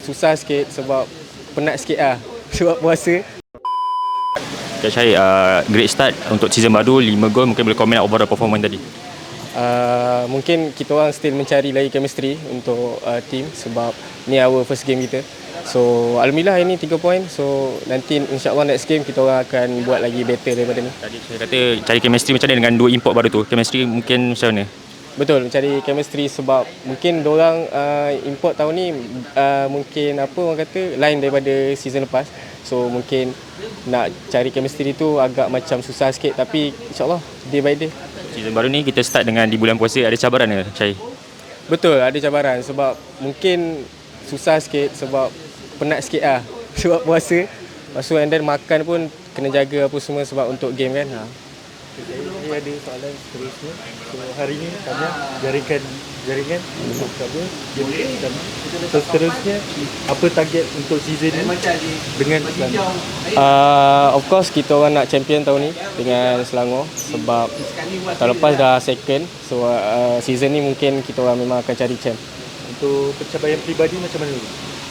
susah sikit sebab penat sikit lah sebab puasa. Okay, Syahid, great start untuk season baru, 5 gol. Mungkin boleh komen overall performance tadi. Mungkin kita orang still mencari lagi chemistry untuk team sebab ni our first game kita. So alhamdulillah hari ni 3 point. So nanti insyaAllah next game kita orang akan buat lagi better daripada ni. Tadi saya kata cari chemistry macam mana dengan 2 import baru tu. Chemistry mungkin macam mana? Betul, mencari chemistry sebab mungkin diorang import tahun ni mungkin apa orang kata lain daripada season lepas. So mungkin nak cari chemistry tu agak macam susah sikit, tapi insyaAllah day by day. Season baru ni kita start dengan di bulan puasa, ada cabaran ke, Syahid? Betul, ada cabaran sebab mungkin susah sikit sebab penat sikit lah sebab puasa. Lepas tu and then makan pun kena jaga apa semua sebab untuk game kan. Saya ada soalan seterusnya. So hari ni kami jaringan untuk apa game dan seterusnya apa target untuk season ni dengan Selangor? Of course kita orang nak champion tahun ni dengan Selangor sebab tahun lepas dah second. So season ni mungkin kita orang memang akan cari champ. Untuk pencapaian peribadi macam mana?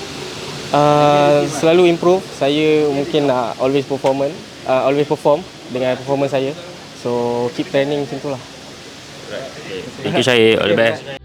Selalu improve. Saya mungkin nak always perform dengan performance saya. So keep training macam tu lah. Thank you, Syahid. All the best.